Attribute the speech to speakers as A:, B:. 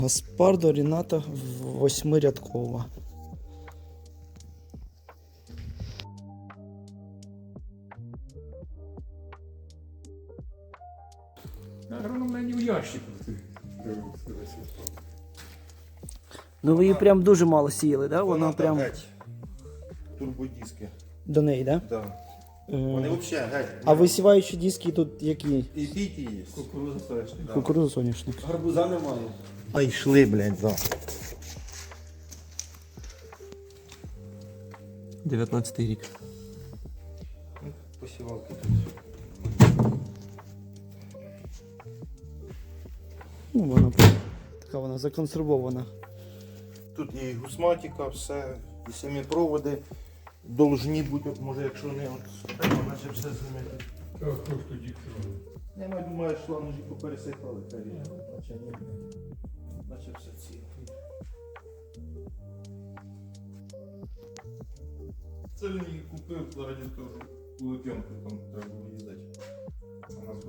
A: Гаспардо Ріната восьмирядкова.
B: Наверное, вона не в ящику.
A: Ну ви її прям дуже мало сіяли, да? Вона прям
C: геть. Турбодиски.
A: до неї, да?
C: Да. Вони взагалі геть.
A: А висіваючі диски тут які?
C: І піті є.
B: Кукуруза соняшник.
C: Да.
A: Кукурудза соняшник.
C: Гарбуза немає. А йшли, блядь, за.
B: 19-й рік.
C: Посівалки тут.
A: Ну, вона прям така вона законсервована.
C: Тут є і гусматика, все, і самі проводи должні бути, от, може, якщо не от, наче все змінити.
B: Так, просто діктором.
C: Я думаю, шланги попересипали, наче ні. Наче все ціле. Це він її купив заради того, що у Лук'янку там треба було їздити. Вона